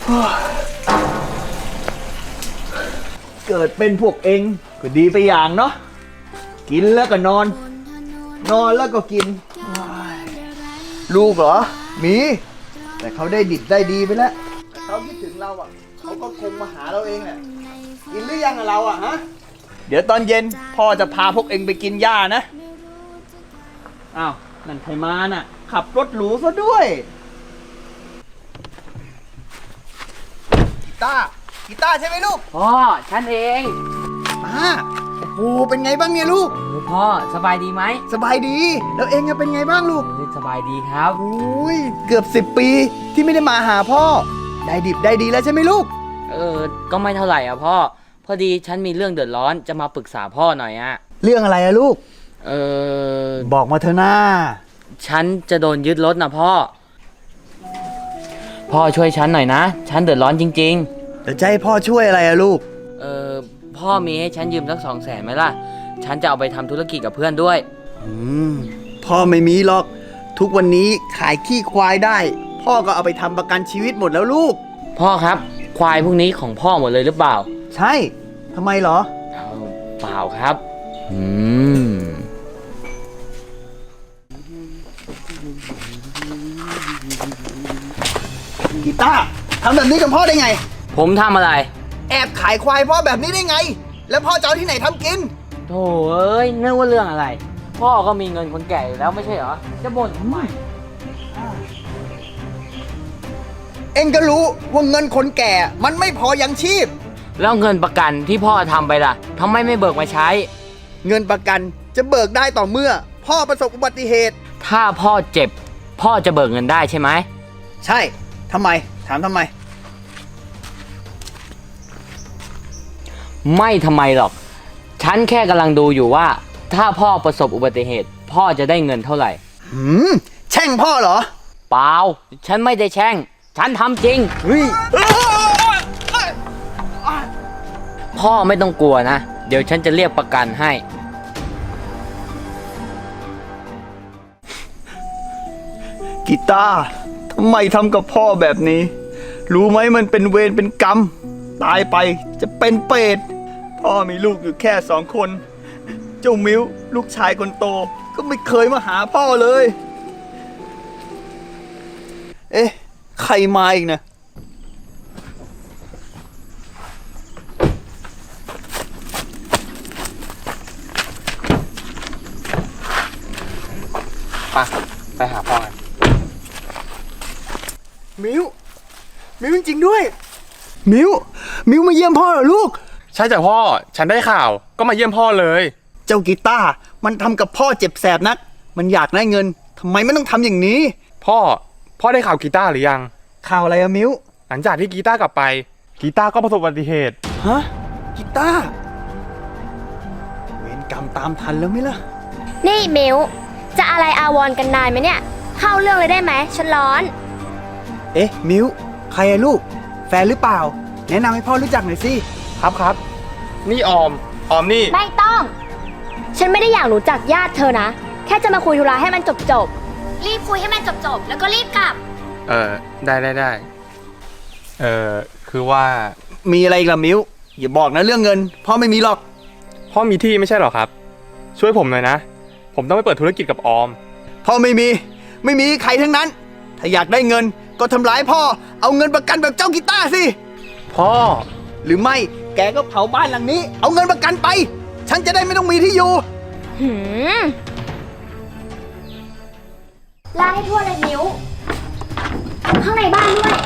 เกิดเป็นพวกเองก็ดีไปอย่างเนาะกินแล้วก็นอน นอนแล้วก็กินลูกเหรอมีแต่เขาได้ดิบได้ดีไปแล้วแต่เขาคิดถึงเราอ่ะเขาก็คงมาหาเราเองแหละกินหรือยังเราอ่ะฮะเดี๋ยวตอนเย็นพ่อจะพาพวกเองไปกินหญ้านะอ้าวนั่นใครมาน่ะขับรถหรูซะด้วยกีตาร์ใช่ไหมลูกพ่อฉันเองโอ้โหเป็นไงบ้างเนี่ยลูกพ่อสบายดีไหมสบายดีแล้วเองเป็นไงบ้างลูกสบายดีครับโอ้ยเกือบ10 ปีที่ไม่ได้มาหาพ่อได้ดิบได้ดีแล้วใช่ไหมลูกก็ไม่เท่าไหร่อ่ะพ่อพอดีฉันมีเรื่องเดือดร้อนจะมาปรึกษาพ่อหน่อยอ่ะเรื่องอะไรอะลูกบอกมาเถอะนะฉันจะโดนยึดรถนะพ่อช่วยฉันหน่อยนะฉันเดือดร้อนจริงๆแต่จะให้พ่อช่วยอะไรอะลูกพ่อมีให้ฉันยืมสัก200,000ไหมล่ะฉันจะเอาไปทำธุรกิจกับเพื่อนด้วยพ่อไม่มีหรอกทุกวันนี้ขายขี้ควายได้พ่อก็เอาไปทำประกันชีวิตหมดแล้วลูกพ่อครับควายพวกนี้ของพ่อหมดเลยหรือเปล่าใช่ทำไมเหรอเปล่าครับกีตาร์ทำแบบนี้กับพ่อได้ไงผมทำอะไรแอบขายควายพ่อแบบนี้ได้ไงแล้วพ่อจะเอาที่ไหนทำกินโธ่เอ้ยนึกว่าเรื่องอะไรพ่อก็มีเงินคนแก่อยู่แล้วไม่ใช่เหรอจะบ่นทำไมเอ็งก็รู้ว่าเงินคนแก่มันไม่พอยังชีพแล้วเงินประกันที่พ่อทำไปล่ะทำไมไม่เบิกมาใช้เงินประกันจะเบิกได้ต่อเมื่อพ่อประสบอุบัติเหตุถ้าพ่อเจ็บพ่อจะเบิกเงินได้ใช่ไหมใช่ทำไมถามทำไมไม่ทำไมหรอกฉันแค่กำลังดูอยู่ว่าถ้าพ่อประสบอุบัติเหตุพ่อจะได้เงินเท่าไหร่แช่งพ่อเหรอเปล่าฉันไม่ได้แช่งฉันทำจริงพ่อไม่ต้องกลัวนะเดี๋ยวฉันจะเรียกประกันให้กีตาร์ทำไมทำกับพ่อแบบนี้รู้ไหมมันเป็นเวรเป็นกรรมตายไปจะเป็นเปรตพ่อมีลูกอยู่แค่2 คนเจ้ามิ้วลูกชายคนโตก็ไม่เคยมาหาพ่อเลยเอ๊ะใครมาอีกนะไปหาพ่อกันมิ้วจริงๆด้วยมิ้วมาเยี่ยมพ่อเหรอลูกใช่จ้ะพ่อฉันได้ข่าวก็มาเยี่ยมพ่อเลยเจ้ากีตาร์มันทำกับพ่อเจ็บแสบนักมันอยากได้เงินทำไมไม่ต้องทำอย่างนี้พ่อได้ข่าวกีตาร์หรือยังข่าวอะไรอะมิ้วหลังจากที่กีตาร์กลับไปกีตาร์ก็ประสบอุบัติเหตุฮะกีตาร์เวรกรรมตามทันแล้วไหมล่ะนี่มิ้วจะอะไรอาวรกันนายไหมเนี่ยเข้าเรื่องเลยได้ไหมฉันร้อนเอ๊ะมิ้วใครอะลูกแฟนหรือเปล่าแนะนำให้พ่อรู้จักหน่อยสิครับนี่ออมนี่ไม่ต้องฉันไม่ได้อยากรู้จักญาติเธอนะแค่จะมาคุยธุระให้มันจบรีบคุยให้มันจบแล้วก็รีบกลับได้คือว่ามีอะไรอีกล่ะมิ้วอย่าบอกนะเรื่องเงินพ่อไม่มีหรอกพ่อมีที่ไม่ใช่หรอครับช่วยผมหน่อยนะผมต้องไปเปิดธุรกิจกับออมพ่อไม่มีใครทั้งนั้นถ้าอยากได้เงินก็ทำร้ายพ่อเอาเงินประกันแบบเจ้ากีตาร์สิพ่อหรือไม่แกก็เผาบ้านหลังนี้เอาเงินประกันไปฉันจะได้ไม่ต้องมีที่อยู่ลาให้ทั่วเลยมิ้วข้างในบ้านด้วย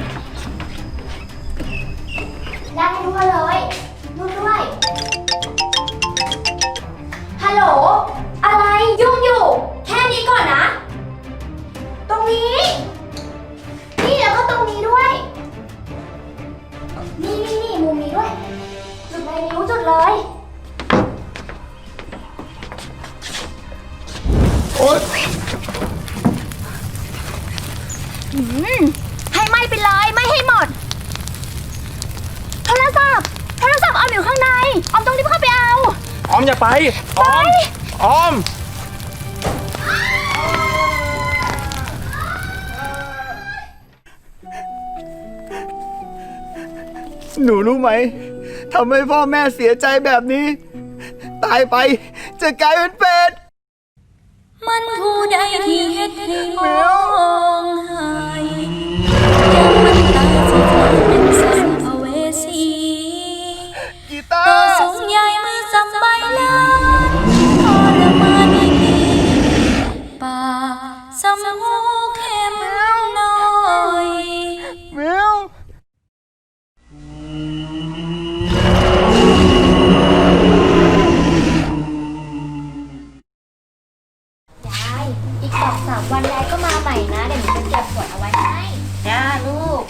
ลาให้ทั่วเลยนู่นด้วยฮัลโหลอะไรยุ่งอยู่แค่นี้ก่อนนะตรงนี้นี่แล้วก็ตรงนี้ด้วยนี่มุมนี้ด้วยจุดเลยนิ้วจุดเลยโอ๊ยให้ไหม้ไปเลยไม่ให้หมดโทรศัพท์ออมอยู่ข้างในออมต้องรีบเข้าไปเอาออมอย่าไปออมหนูรู้ไหมทำให้พ่อแม่เสียใจแบบนี้ ตายไปจะกลายเป็นเป็ดมันผู้ใดที่เฮ็ดให้มองหายยังมันตายสิกลายเป็นสัมภเวสีกีตาตัวร์สูงใหญ่ไม่สำใบลานทรมานอีปากสำหูเข้มน้อยแมวยายอีก2-3 วันยายก็มาใหม่นะ เดี๋ยวหนูจะเก็บขวดเอาไว้ให้จ้าลูก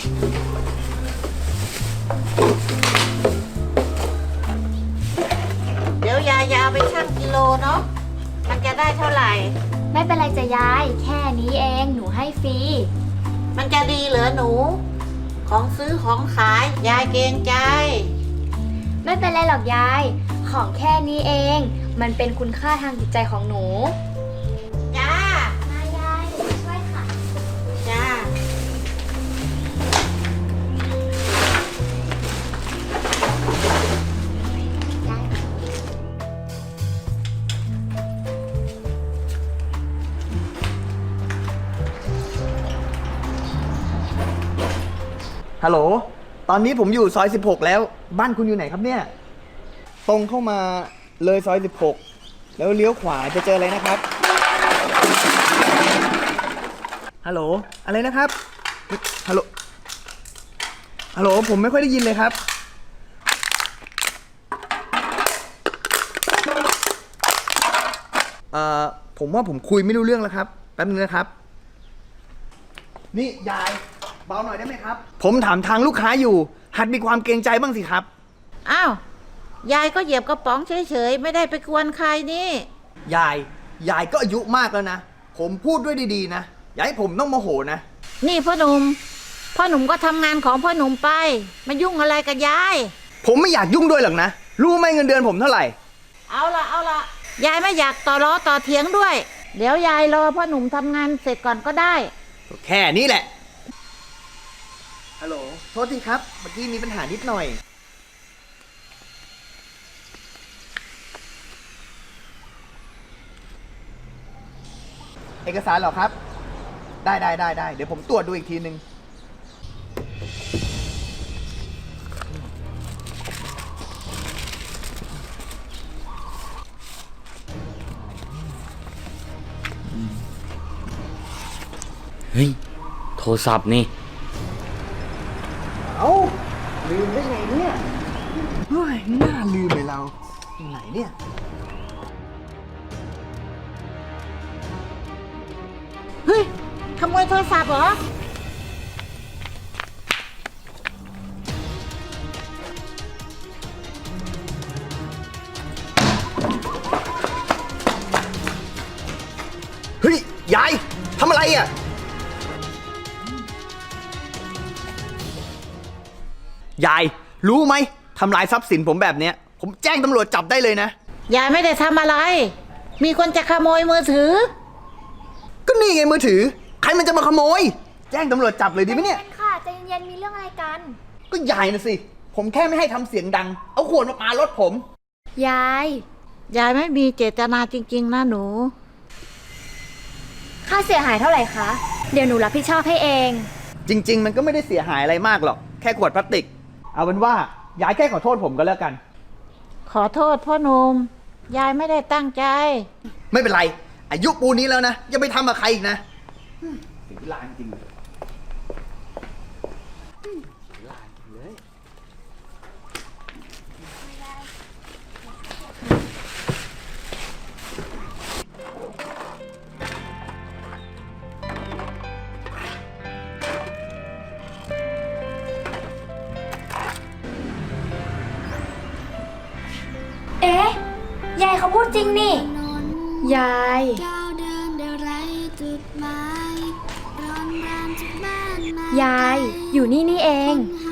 เดี๋ยวยายจะเอาไปชั่งกิโลเนาะ มันจะได้เท่าไหร่ไม่เป็นไรจ้ะยาย แค่นี้เองหนูให้ฟรีมันจะดีเหรอหนู ของซื้อของขาย ยายเกรงใจไม่เป็นไรหรอกยาย ของแค่นี้เอง มันเป็นคุณค่าทางจิตใจของหนูจ้ามายายหนูช่วยค่ะจ้าฮัลโหล ตอนนี้ผมอยู่ซอย 16 แล้ว บ้านคุณอยู่ไหนครับเนี่ย ตรงเข้ามาเลยซอย 16 แล้วเลี้ยวขวาจะเจออะไรนะครับ ฮัลโหล อะไรนะครับ ฮัลโหล ฮัลโหล ผมไม่ค่อยได้ยินเลยครับ ผมว่าผมคุยไม่รู้เรื่องแล้วครับ แป๊บนึงนะครับ นี่ยายเบาหน่อยได้ไหมครับ ผมถามทางลูกค้าอยู่ หัดมีความเกรงใจบ้างสิครับอ้าว ยายก็เหยียบกระป๋องเฉยๆ ไม่ได้ไปกวนใครนี่ยายก็อายุมากแล้วนะ ผมพูดด้วยดีๆนะ อย่าให้ผมต้องโมโหนะนี่พ่อหนุ่มก็ทำงานของพ่อหนุ่มไปมายุ่งอะไรกับยายผมไม่อยากยุ่งด้วยหรอกนะ รู้ไหมเงินเดือนผมเท่าไหร่เอาละยายไม่อยากต่อล้อต่อเถียงด้วย เดี๋ยวยายรอพ่อหนุ่มทำงานเสร็จก่อนก็ได้แค่นี้แหละ ฮัลโหล โทษทีครับ เมื่อกี้มีปัญหานิดหน่อย เอกสารเหรอครับ ได้ เดี๋ยวผมตรวจดูอีกทีนึงเฮ้ย โทรศัพท์นี่เอ้า ลืมได้ไงเนี่ยเฮ้ยน่าลืมไปเราไหนเนี่ยเฮ้ย ขโมยโทรศัพท์เหรอเฮ้ย ยายทำอะไรอ่ะ ยาย รู้ไหมทำลายทรัพย์สินผมแบบเนี้ย ผมแจ้งตำรวจจับได้เลยนะยายไม่ได้ทำอะไร มีคนจะขโมยมือถือก็นี่ไงมือถือ ใครมันจะมาขโมย แจ้งตำรวจจับเลยดีไหมเนี่ยค่ะใจเย็นๆมีเรื่องอะไรกันก็ยายนะสิ ผมแค่ไม่ให้ทำเสียงดัง เอาขวดมาปารถผมยายยายไม่มีเจตนาจริงๆนะหนูค่าเสียหายเท่าไหร่คะ เดี๋ยวหนูรับผิดชอบให้เองจริง ๆ มันก็ไม่ได้เสียหายอะไรมากหรอก แค่ขวดพลาสติก เอาเป็นว่ายายแค่ขอโทษผมก็แล้วกันขอโทษพ่อหนุ่ม ยายไม่ได้ตั้งใจไม่เป็นไร อายุปูนี้แล้วนะ อย่าไปทำกับใครอีกนะเสียเวลาจริงๆเอ๊ะ ยายเขาพูดจริงนี่ ยาย ยายอยู่นี่นี่เอง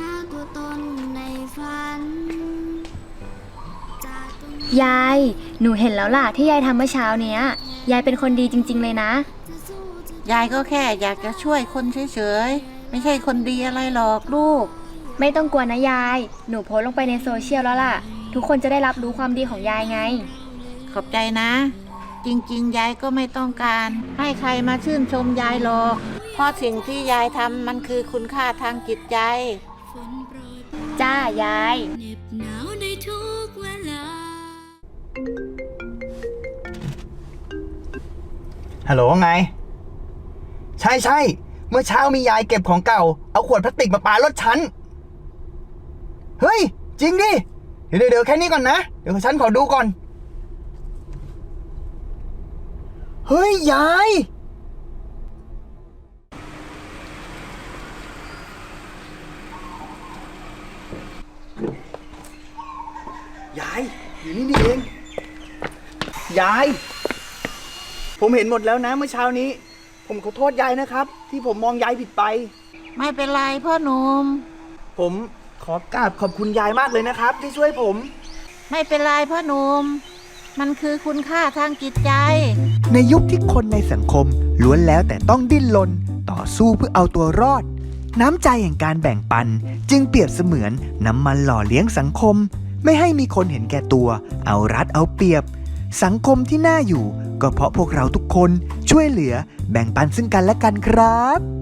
ยาย หนูเห็นแล้วล่ะที่ยายทำเมื่อเช้าเนี้ย ยายเป็นคนดีจริงๆเลยนะยายก็แค่อยากจะช่วยคนเฉยๆ ไม่ใช่คนดีอะไรหรอกลูกไม่ต้องกลัวนะยาย หนูโพสต์ลงไปในโซเชียลแล้วล่ะ ทุกคนจะได้รับรู้ความดีของยายไงขอบใจนะ จริงๆ ยายก็ไม่ต้องการ ให้ใครมาชื่นชมยายหรอก เพราะสิ่งที่ยายทำมันคือคุณค่าทางจิตใจจ้ายายฮัลโหลไง ใช่ใช่เมื่อเช้ามียายเก็บของเก่า เอาขวดพลาสติกมาปารถฉัน เฮ้ย จริงดิ เดี๋ยวแค่นี้ก่อนนะ เดี๋ยวฉันขอดูก่อน เฮ้ย ยาย ยาย อยู่นี่นี่เอง ยาย ผมเห็นหมดแล้วนะเมื่อเช้านี้ ผมขอโทษยายนะครับ ที่ผมมองยายผิดไปไม่เป็นไรพ่อหนุ่มผมขอกราบขอบคุณยายมากเลยนะครับ ที่ช่วยผมไม่เป็นไรพ่อหนุ่ม มันคือคุณค่าทางจิตใจในยุคที่คนในสังคมล้วนแล้วแต่ต้องดิ้นรนต่อสู้เพื่อเอาตัวรอด น้ำใจแห่งการแบ่งปันจึงเปรียบเสมือนน้ำมันหล่อเลี้ยงสังคม ไม่ให้มีคนเห็นแก่ตัว เอารัดเอาเปรียบ สังคมที่น่าอยู่ ก็เพราะพวกเราทุกคนช่วยเหลือแบ่งปันซึ่งกันและกันครับ